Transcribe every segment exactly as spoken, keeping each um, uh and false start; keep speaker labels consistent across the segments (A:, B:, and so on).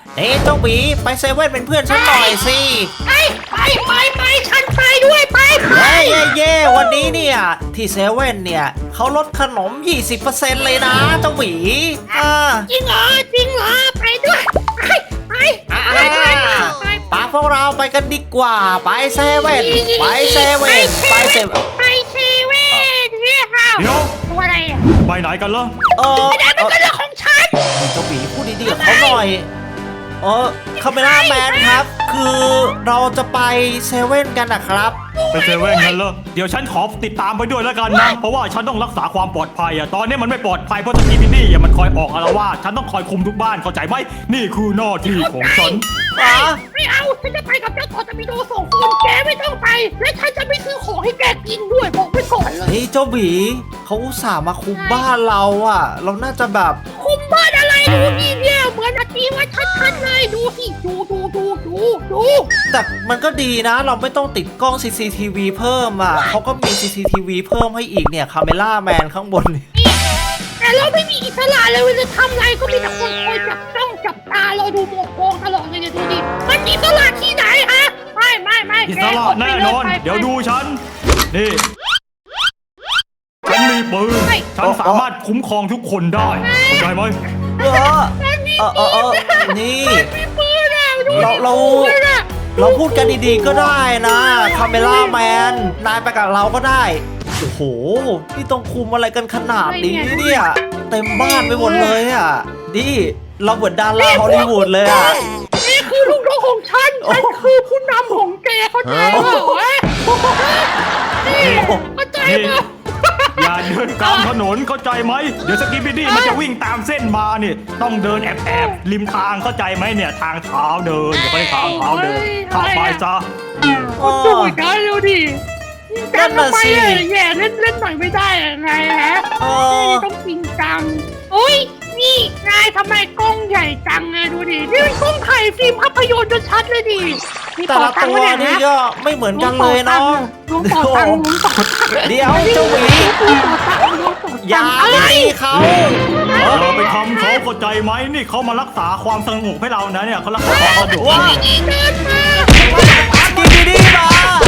A: เอ๊ะเจ้าหมีไปเซเว่นเป็นเพื่อนฉันหน่อยสิ
B: ไปไปไปไปฉันไปด้วยไปไป
A: เย้เย้เย้วันนี้เนี่ยที่เซเว่นเนี่ยเขาลดขนม ยี่สิบเปอร์เซ็นต์ เลยนะเจ้าหมีอ่า
B: จริงเหรอจริงเหรอไปด้วยไปไป
A: อ่า
B: ไปไปไป
A: ปาพวกเราไปกันดีกว่าไปเซเว่นไปเซเว่นไปเซเว่น
B: ไปเซเว่นเนี่ยค่ะ
C: เดี๋ยว
B: ตัวอะไรอ่ะ
C: ไปไหนกันล่ะ
A: เออ
B: ไม่ได้เป็นเรื่องของฉัน
A: เจ้าหมีพูดดีๆกับเขาหน่อยเออคาเมล่าแมนครับ คือเราจะไปเซเว่นกันนะครับ
C: ไปเซเว่นกันเหรอเดี๋ยวฉันขอติดตามไปด้วยแล้วกันนะ เพราะว่าฉันต้องรักษาความปลอดภัยอะตอนนี้มันไม่ปลอดภัยเพราะสกีบิดี้อะมันคอยออกอาละวาดฉันต้องคอยคุมทุกบ้านเข้าใจไหมนี่คือหน้าที่ของฉัน
A: อ๋อ
B: ไม่เอาฉันจะไปกับเจ้าต่อตะมีโดสองคนแกไม่ต้องไปและฉันจะไม่ซื้อของให้แกกินด้วยบอกไว้ก่อนเลย
A: เฮ้ยเจ้าหมีเขาอุตส่าห์มาคุมบ้านเราอ่ะ เราน่าจะแบบ
B: คุมบ้านอะไรดูนี่เนี่ยเหมือนอาทีว่าชัดๆเลยดูสิดูดูดูดูดู
A: แต่มันก็ดีนะ เราไม่ต้องติดกล้อง ซี ซี ที วี เพิ่มอ่ะเขาก็มี ซี ซี ที วี เพิ่มให้อีกเนี่ยคาเมล่าแมนข้างบนนี่
B: แต่เราไม่มีอิสระเลยเวลาทำอะไรก็มีแต่คนคอยจับจ้องจับตาเราดูมองมองตลอดเลยเนี่ยดูดิมันอิสระที่ไหนฮะไม่ไม่ไม่
C: อิสระแน่นอน เดี๋ยวดูฉัน นี่ ฉันมีปืน ฉันสามารถคุ้มครองทุกคนได้เข้าใจไหม
A: เออเออเออเออนี่
B: มีปืนอะดู
A: เราเรา เราพูดกันดีๆก็ได้นะคาเมล่าแมนนายไปกับเราก็ได้โอ้โหนี่ต้องคุมอะไรกันขนาดนี้เนี่ยเต็มบ้านไปหมดเลยอ่ะนี่เราเหมือนดาราฮอลลีวูดเลยอ่ะ
B: นี่คือลูกน้องของฉันฉันคือผู้นำของแกเข้าใจเปล่าเว้ยนี่เข้าใจเปล่า
C: อย่าเดินกลางถนนเข้าใจไหม เดี๋ยวสกีบิดี้มันจะวิ่งตามเส้นมาเนี่ยต้องเดินแอบแอบๆริมทางเข้าใจไหมเนี่ยทางเท้าเดินอย่าไปทางเท้าเดินเข้าไปซะ
B: ก็ดูกันดูดิกันทำไมอะแย่เล่นเล่นหน่อยไม่ได้ยังไงฮะ
A: เออ
B: ต้องจริงจังโอ้ยนี่นายทำไมกล้องใหญ่จังไงดูดินี่เป็นกล้องถ่ายฟิล์มภาพยนตร์ชัดเลยดิ
A: แต่ละตัวนี่ก็ไม่เหมือนกันเลยเนาะ
B: ลุงต่อตังค์ลุงต่อตังค์
A: เดี๋ยวเจ้าหมี
B: ลุงต่อตังค์ลุงต่อตังค์
A: อย่า
B: อะไร
A: ตีเขา
C: เราไปทำเขาเข้าใจไหมนี่เขามารักษาความสงบให้เรานะเนี่ยเขารักษาความสงบ
A: ว้า
B: นี่เดินมา
A: สกีบีดีมา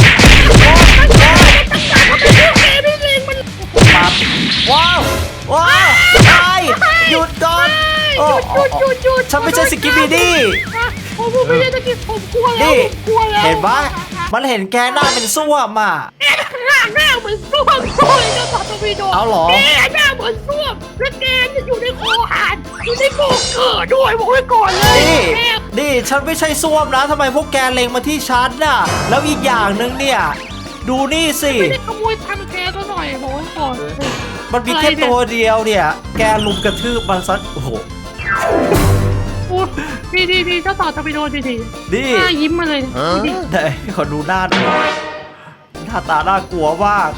B: ทำไมพวกแกไม่เล่นมัน
A: ปั๊บว้าวว้าวไอ้หยุดก่อนโอ้
B: หยุดหยุดหยุด
A: ฉันไม่ใช่สกิปปี้ดี้
B: ผมไม่ใช่ตะกี้ผมกลัวแล้ว
A: นี่
B: ผมกลัวแล้ว
A: เห็นปะมันเห็นแกหน้าเป็นส้วมอ่ะ
B: แกหน้าหน้าเหมือนส้วมส้วมจะตัดตัววีโด
A: เอาเหรอ
B: แกหน้าเหมือนส้วมแล้วแกจะอยู่ในคอหานอยู่ในโบกเกิดด้วยบอกไว้ก่อนเลย
A: นี่
B: แก
A: นี่ฉันไม่ใช่ส้วมนะทำไมพวกแกเล็งมาที่ฉันน่ะ แล้วอีกอย่างหนึ่งเนี่ย ดูนี่สิ
B: ไม่ได้ขโมยทำแกก็หน่อยบอกไว้ก่อน
A: มันมีแค่ตัวเดียวเนี่ย แกลุมกระทืบมันซะโอ้โห
B: โอ้ดีดีดีเจ้าต่อตะวีโดดีดี
A: นี่
B: หน้ายิ้มมาเลยดี
A: ไหนขอดูหน้าหน่อยหน้าตาน่ากลัวมาก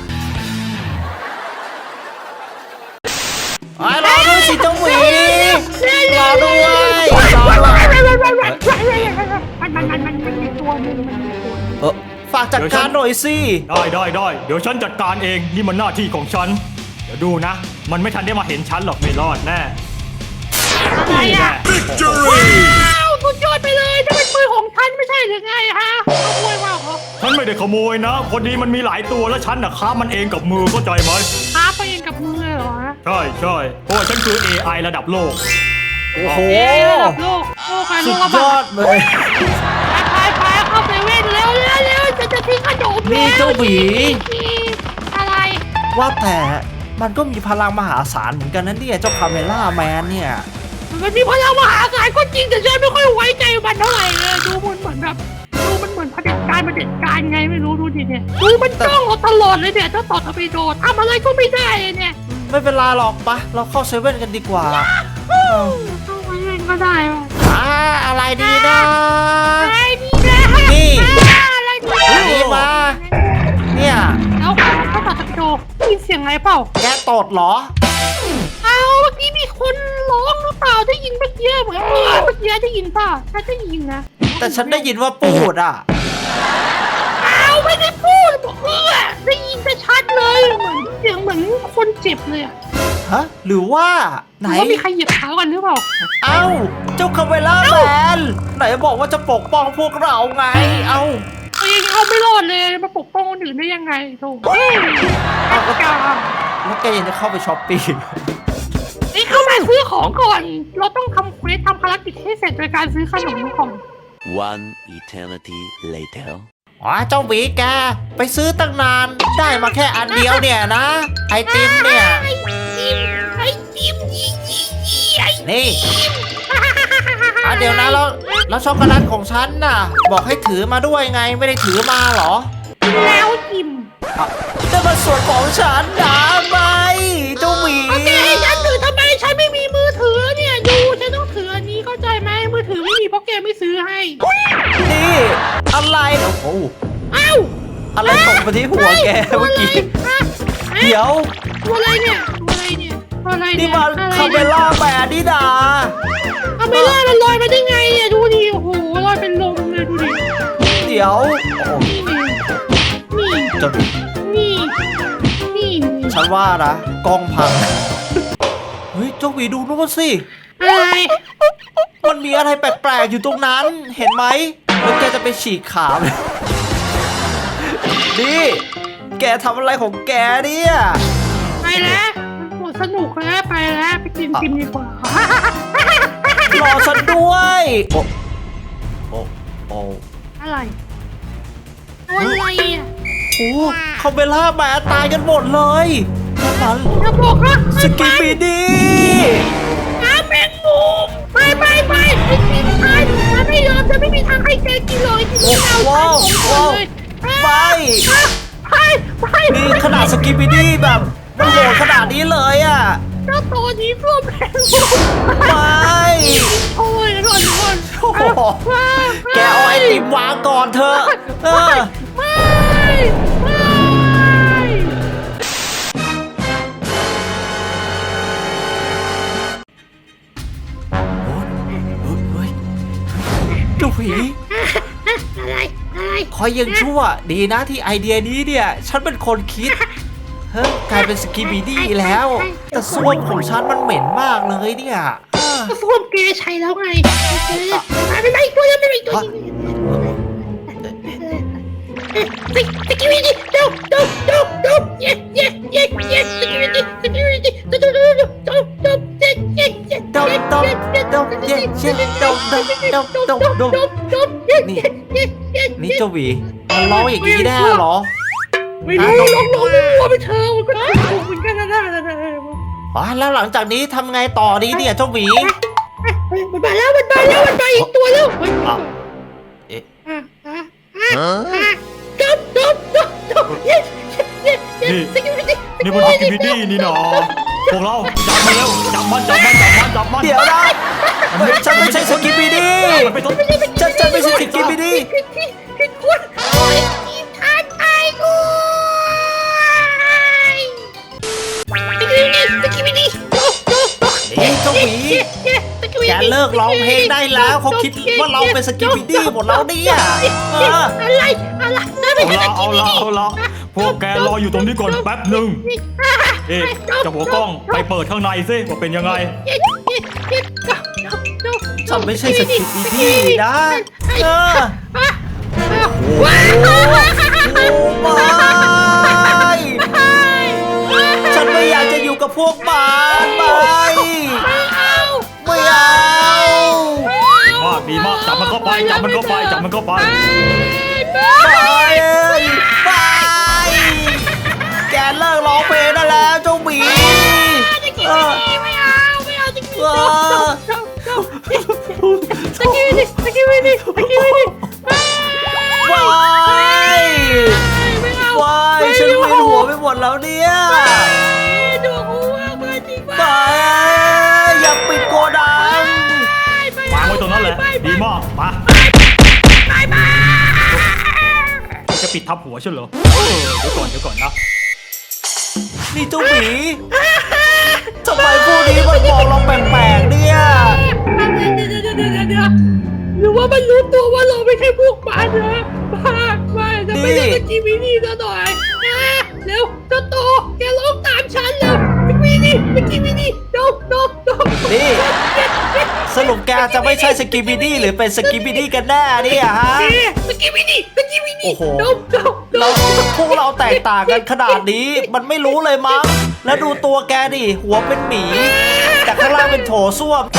A: ไอ้รอด้วยสิเจ้าหมีรอด้วยรอด้วย
B: มันมันมันมันมันมีตัวหนึ่งมันมีตัว
A: เออฝากจัดการหน่อยสิ
C: ได้ได้ได้เดี๋ยวฉันจัดการเองนี่มันหน้าที่ของฉันเดี๋ยวดูนะ มันไม่ทันได้มาเห็นฉันหรอกไม่รอดแน่
B: อะไร
C: นี่
B: อ่ะ
C: แน่
B: ว้าวสุดยอดไปเลยจะเป็นปืนของฉันไม่ใช่หรือไงฮะขโมยมาเหรอ
C: ฉันไม่ได้ขโมยนะพอดีมันมีหลายตัวแล้วฉันน่ะค้ามันเองกับมือเข้าใจไหม
B: ท้าไปเองกับมือเลยเหรอฮะ
C: ใช่ใช่เพราะว่าฉันคือ เอ ไอ ระดับโลก
A: โอ้โห
B: เอ๊ะระดับโลกโลกใครโล
A: สุ
B: ก
A: ด
B: ระ
A: ย
B: บา
A: อ
B: ด
A: ดเลย
B: ไปไปเข้าเซเว่นเร็วเร็วเร็วจะจะทิ้งขนม
A: นี่
B: แล้ว
A: เจ้าหมี
B: อะไร
A: ว่าแต่มันก็มีพลังมหาศาลเหมือนกันนะเนี่ยเจ้าคาเมล่าแมนเนี่ย
B: มันมีพลังมหาศาลก็จริงแต่ฉันไม่ค่อยไว้ใจมันเท่าไหร่เลยดูมันเหมือนแบบดูมันเหมือนเผด็จการเผด็จการไงไม่รู้ดูดิเนี่ยดูมันจ้องเราตลอดเลยเนี่ยถ้าต่อทวีโดนทำอะไรก็ไม่ได้เลยเนี่ย
A: ไม่เป็นไรหรอกปะเราเข้าเซเว่นกันดีกว่า
B: เข้าไปเล่นก็ได้ว่ะ
A: อ่าอะไรดีนะ
B: อะไรดีนะ
A: นี่
B: อะไรดี
A: อันนี้มา เนี่ย
B: แล้วถ้าต่อทวีโดได้ยินเสียงอะไรเปล่า
A: แกตดเหรอ
B: เอาเมื่อกี้มีคนร้องหรือเปล่าได้ยินเมื่อกี้เหมือนเมื่อกี้ได้ยินป่ะถ้าได้ยินนะ
A: แต่ฉันได้ยินว่าปูดอ่ะ
B: เอาไม่ได้พูดบอกเออได้ยินแต่ชัดเลยเหมือนเสียงเหมือนคนเจ็บเลยอะ
A: ฮะ หรือว่า
B: ห
A: ไหน
B: รือว่ามีใครเหยียบเท้ากันหรือเปล่า
A: เอ้า เจ้าคาเมล่าแมนบอกว่าจะปกป้องพวกเราไง เอ้า
B: ตัวเองเอาไม่รอดเลยมาปกป้องคนอื่นได้ยังไงโธ่เฮ้ยแอปกา
A: แล้วแกยังจะเข้าไปช้อปปี้
B: ไอ้เข้ามาซื้อของก่อน เราต้องทำเควสทำภารกิจให้เสร็จโดยการซื้อขนมก่อน
D: One eternity later.
A: อ๋อเจ้าหวีแกไปซื้อตั้งนานได้มาแค่อันเดียวเนี่ยนะ ไอติมเนี่ย
B: ไอติมไอติมยี่ยี่ยี่ไอติม
A: นี่อ่ะเดี๋ยวนะแล้วแล้วช็อกโกแลตของฉันน่ะ บอกให้ถือมาด้วยไงไม่ได้ถือมาเหรอ
B: แล้วจิม
A: อ่ะแต่มันส่วนของฉันนะไม่เจ้าหวี
B: โอเคฉันถือทำไมฉันไม่มีมือถือเนี่ยดูฉันต้องถืออันนี้เข้าใจไหมมือถือไม่มีเพราะแกไม่ซื้อให้
A: นี่อะไรโอ้โห
B: เอ้า
A: อะไรตกมาที่หัวแกเมื่อกี้ เดี๋ยว
B: ตัวอะไรเนี่ยตัวอะไรเนี่ยตัวอะไร
A: นี่
B: เนี่ย
A: มันคาเมล่าแบร์นี่นา
B: คาเมล่ามันลอยมาได้ไงเนี่ยดูดิโอ้โหลอยเป็นลมเลยดูดิ
A: เดี๋ยวโอ้โห
B: นี่
A: จน
B: นี่นี่
A: ฉันว่านะกล้องพัง เฮ้ยเจ้าหวีดูนู่นสิ
B: อะไร
A: มันมีอะไรแปลกๆอยู่ตรงนั้น เห็นไหมแล้วแกจะไปฉีกขาเลยนี่ แกทำอะไรของแกเนี่ย
B: ไปแล้วหมดสนุกแล้วไปแล้วไปกินติมดีกว่าร
A: อฉันด้วย โอ้โอ้โอ้
B: อะไรตัวอะไรอ่ะ
A: โอ้คาเมล่าแบร์ตายกันหมดเลยนั่นมัน
B: จะบอกว่า
A: สกิปปี้ดี
B: น้ำแมงมุมไปไปไปไปกินทานฉันไม่ยอมจะไม่มีทางให้แกกินเลยกินไม่เอา
A: ว้าวว้าว ไป
B: ไปไป
A: นี่ขนาดสกิปปี้ดีแบบมันโหดขนาดนี้เลยอ่ะ
B: เจ้าตัวนี้ร่วมแมงมุม
A: ไป
B: โอ้ยร้อนร้อน
A: โอ้โหแกเอาไอติมวางก่อนเถอะเออ
B: ไม่ไม่
A: เฮ้ยเจ้าผี
B: อะไรอะไร
A: คอยยังชั่ว ดีนะที่ไอเดียนี้เนี่ย ฉันเป็นคนคิด เฮ้ยกลายเป็นสกิปปี้ดีแล้ว แต่ส้วมของฉันมันเหม็นมากเลยเนี่ยเออ
B: ก็ส้วมแกใช้แล้วไงไปไปไปอีกตัวนึงไปอีกตัวนึงสกิวิดี้ดูดูดูดูเย้เย้เย้เย้สกิวิดี้สกิวิดี้ดูดูดูดูดูดูเย้เย้เย้
A: ดมดมดมเย้เย้ดมดมดมดมดม นี่ นี่เจ้าหวีมันร้องอย่างนี้ได้เหรอ
B: ไม่รู้ลองลองมัวไปเธอมันก็ถูกเหมือนกันนะนะนะ
A: อ๋อแล้วหลังจากนี้ทำไงต่อดีเนี่ยเจ้าหวี
B: มันมาแล้วมันมาแล้วมันมาอีกตัวแล้ว
A: อ่ะเอ๊ะ
B: อ่ะอ่ะอ่ะอ่ะจบจบจบจบเย้เย้เย้สกิวิดี้
C: นี่มันสกิปปี้ดีนี่หนอพวกเราจับมันเร็วจับมันจับมันจับมันจับมัน
A: เดี๋ยวนะเฮ้ยฉันไม่ใช่สกิปปี้ดี
C: มันไปต้น
A: ฉันฉันไม่ใช่สกิปปี้ดี
B: ผิดที่ผิดคนโอ้ยทีมทานไอ้กูสกิวิดี้สกิวิดี้จบจบจบ
A: นี่เจ้าหวีแกเลิกร้องเพลงได้แล้วเขาคิดว่าเราเป็นสกิปปี้ดีหมดแล้วเนี่ยเออ
B: อะไรอะไรนั่นไม่
C: เอา
B: ใช่
C: ละเอาละเอาละพวกแกรออยู่ตรงนี้ก่อนแป๊บหนึ่งเอ๊ะเจะหัวกล้องไปเปิดข้างในซิว่าเป็นยังไง
A: ฉันไม่ใช่สกิปปี้ดีนะเออ
B: ว้าว
A: โอ้ไม่ฉันไม่อยากจะอยู่กับพวกมันไม่ไม่เอา
C: มากดีมากจับมันเข้าไปจับมันเข้าไปจับมันเข้าไป
A: ไปไปแกเลิกร้องเพลงได้แล้วเจ้าหมีเออ
B: ไม่เอาไม่เอาจริงๆสกิลดิสกิลดิสกิลดิ
A: วายวายฉันเวียนหัวไปหมดแล้วเนี่ย
B: ดูหัวมาจริง
A: ไปอยากปิดโกดัง
C: วางไว้ตรงนั้นแหละดีมากมา
B: ไปไป
C: จะปิดทับหัวใช่เหรอเออเดี๋ยวก่อนเดี๋ยวก่อนนะ
A: นี่เจ้าหมีทำไมพวกนี้มันมองเราแปลกๆเนี่ย
B: หรือว่ามันรู้ตัวว่าเราไม่ใช่พวกมันนะบ้าไม่จะไม่ได้สกิมินี่ซะหน่อยเร็วเจ้าโตแกร้องตามฉันแล้วสกิมินี่สกิมินี่โดโดโด
A: นี่สรุปแกจะไม่ใช่สกิบิดี้หรือเป็นสกิบิดี้กันแน่เนี่ยฮะ
B: สกิบิดี้สกิบิดี้
A: โอ้โห
B: ดมดมด
A: เรา
B: ม
A: พวกเราแตกต่างกันขนาดนี้มันไม่รู้เลยมั้งแล้วดูตัวแกดิหัวเป็นหมีแต่ข้างล่างเป็นโถส้วม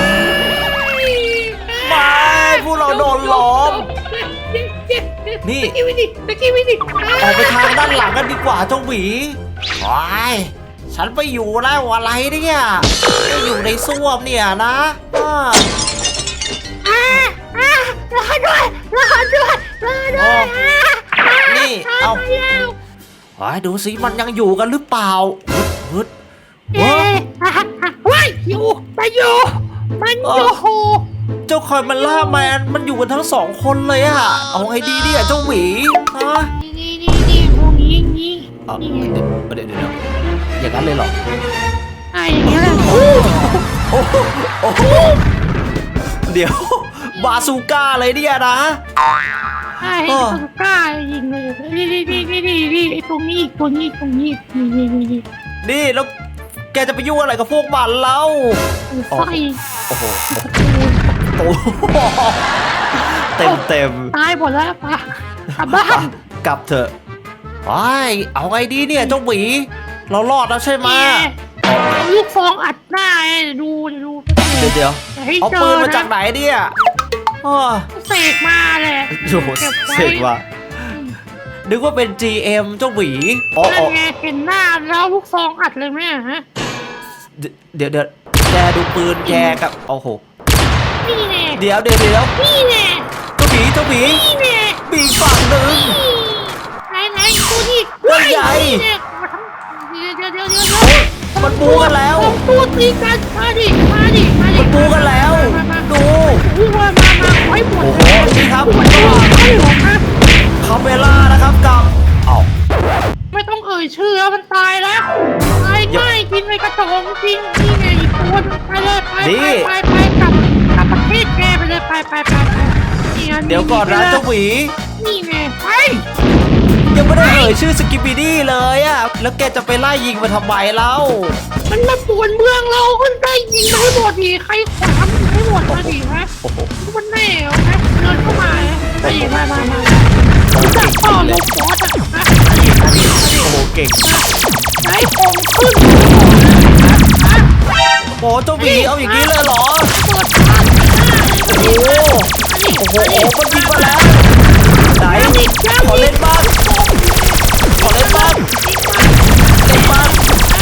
A: ไม่พวกเราโดนล้อม นี่
B: สกิบิดี้สกิบิดี้
A: ออกไปทางด้านหลังกันดีกว่าเจ้าหวีโอ้ยฉันไปอยู่แล้วอะไรเนี่ยไปอยู่ในส้วมเนี่ยนะอ่า
B: อ่าอ่ารอด้วยรอด้วยรอด้วย
A: นี่เอา
B: ตยแล้ว
A: โอ้ยดูสิมันยังอยู่กันหรือเปล่าฮึด
B: เอ๊ะอ่ะอ่ะว้ายอยู่มันอยู่มันอยู่
A: เจ้าคอยมันล่าแมนมันอยู่กันทั้งสองคนเลยอะเอาไงดีเนี่ยเจ้าหวีฮะ
B: นี่นี่นี่นี่ตรงนี้นี่
A: เอา
B: นี่
A: เดี๋ยวเดี๋ยวเดี๋ยวอย่างนั้นเลยเหรอ
B: ไอ้อย่างเงี้ยแหละ
A: โอ้โหโอ้โหเดี๋ยวบาซูก้าเลยเนี่ยนะ
B: ไอ้ไอ้สุดกล้ายิงเลยนี่นี่นี่นี่นี่นี่ไอ้ตรงนี้ตรงนี้ตรงนี้นี่นี่นี่นี่
A: นี่แล้วแกจะไปยุ่งอะไรกับพวกมันเล่า
B: ไฟ
A: โอ้โหโอ้โหเต็มเต็ม
B: ตายหมดแล้วปะกลับบ้าน
A: กลับเถอะไอ้ยเอาไงดีเนี่ยเจ้าหวีเรารอดแล้วใช่ไหม
B: เอาลูกฟองอัดหน้าไอ้ดูดู
A: เดี๋ยวเดี๋ยว
B: ให้
A: เอา
B: เจ
A: ปื
B: อน
A: มาจาก
B: นะ
A: ไหนเนี่ยอ้อ
B: เสกมาเลย
A: โอ้โห
B: เก็บไว้
A: เสร็จว่ะนึกว่าเป็น จี เอ็ม เจ้าหวีอ๋อ
B: นั่
A: อ๋อน
B: ไงเห็นหน้าแล้วลูกฟองอัดเลยไหมฮะ
A: เดี๋ยวเดี๋ยวแกดูปืนแกกับโอ้โห
B: นี่แน่
A: เดี๋ยวเดี๋ยวเดี๋ยว
B: นี่แน่
A: เจ้าหวีเจ้าหวี
B: นี่แน่
A: มีอีกฝั่งหนึ่ง
B: ไหนไหนดูดิ
A: เฮ้ยใหญ่
B: เดี๋ยวเดี๋ยวเดี๋ยวเดี๋ยวเดี๋ยว
A: มันบูกันแล้ว
B: ตัวตีกันมาดิมาดิมาดิ
A: มันบูกันแล้ว ดู
B: ดูมามามาไว้หมด
A: โอ้โหนี่ครับ
B: หมดเลยไม่หรอกนะ
A: คาเมล่านะครับกับเอ้า
B: ไม่ต้องเอ่ยชื่อแล้วมันตายแล้วตายง่ายกินไปกระจองจริงนี่ไงอีกตัวนึงไปเลยไปไปไปไปกลับกลับประเทศแกไปเลยไปไปไปไปนี่อั
A: เดี๋ยวก่อนนะเจ้าหวี
B: นี่ไงไป
A: ยังไม่ได้เอ่ยชื่อสกิปปิดี้เลยอะแล้วแกจะไปไล่ยิงมาทำไมเล่า
B: มันมาป่วนเมืองเราคนได้ยิงมาให้หมดดีใครขวางให้หมดมาดีฮะ
A: โอ้โห
B: มันแน่เหรอฮะเดินเข้ามาไปมามามาจับต่อลงฟอสอะนะมาดิมาดิมาดิ
A: โอ้โหเก่ง
B: ไหนของขึ้นฮะ
A: โอ้เจ้าหวีเอาอย่างนี้เลยเหรอ
B: เปิดทาง
A: โอ้โหโอ้โหโอ้มันยิงมาแล้วไหนขอเล่นบ้างขอเล่นบ้างเล่นบ้าง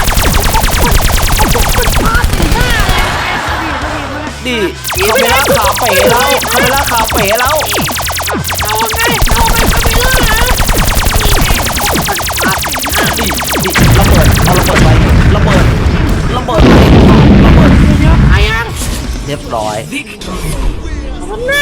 A: ดิคาเมล่าขาเป๋แล้วคาเมล่าขาเป๋แล้ว
B: เอาไงเอาไงคาเมล่าฮะนี่ไงมันพาถึงหน้า
A: ดิดิระเบิดเอาระเบิดไประเบิดระเบิดไประเบิด
B: เดี๋ยวไอ้ยัง
A: เรียบร้อย
B: มันหน้า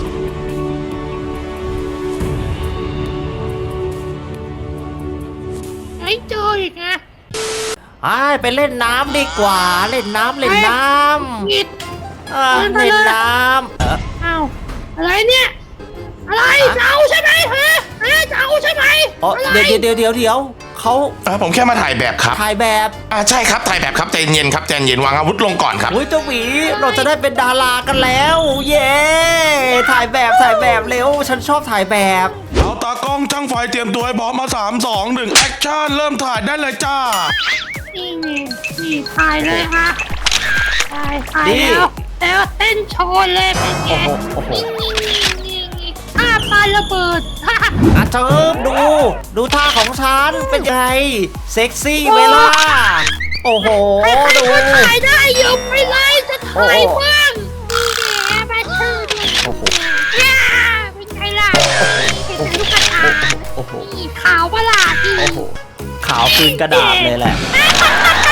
B: ไอ้เจออีกไง
A: ไอ้ไปเล่นน้ำดีกว่าเล่นน้ำเล่นน้
B: กิด
A: ำอ่าเล่นน้ำเออ
B: เอาอะไรเนี่ย อะไรจะเอาใช่ไหมฮะฮะจะเอาใช่ไหม
A: อ๋อเดี๋ยวเดี๋ยวเดี๋ยวเดี๋ยวเขา
E: อ่าผมแค่มาถ่ายแบบครับ
A: ถ่ายแบบ
E: อ่าใช่ครับถ่ายแบบครับใจเย็นครับใจเย็นวางอาวุธลงก่อนครับ
A: อุ้ยเจ้าหวีเราจะได้เป็นดารากันแล้ว เย้ถ่ายแบบถ่ายแบบเร็วฉันชอบถ่ายแบบ
E: เอาตากล้องช่างไฟเตรียมตัวให้พร้อมมาสามสองหนึ่งแอคชั่นเริ่มถ่ายได้เลยจ้า
B: นี่นี่นี่ถ่ายเลยฮะถ่ายถ่ายแล้วแล้วเต้นโชว์เลยเป็นไง
A: โอ้โหโอ้โห
B: นี่นี่นี่นี่ท่าปาระเบิดฮ่า
A: อ่ะเจิมดู ดูท่าของฉันเป็นไงเซ็กซี่ไหมล่ะโอ้โห
B: ใคร
A: ดู
B: ๆก็ถ่ายได้ยกไปเลยจะถ่ายบ้างนี่แหละมาชื่อด้วย
A: โอ้โห
B: ย่าเป็นไงล่ะเป็นลูกกระตา
A: โอ้โห
B: นี่ขาวปะล่ะที่
A: โอ้โหขาวคืนกระดาษเลยแหละ
B: ฮ่าฮ่าฮ่า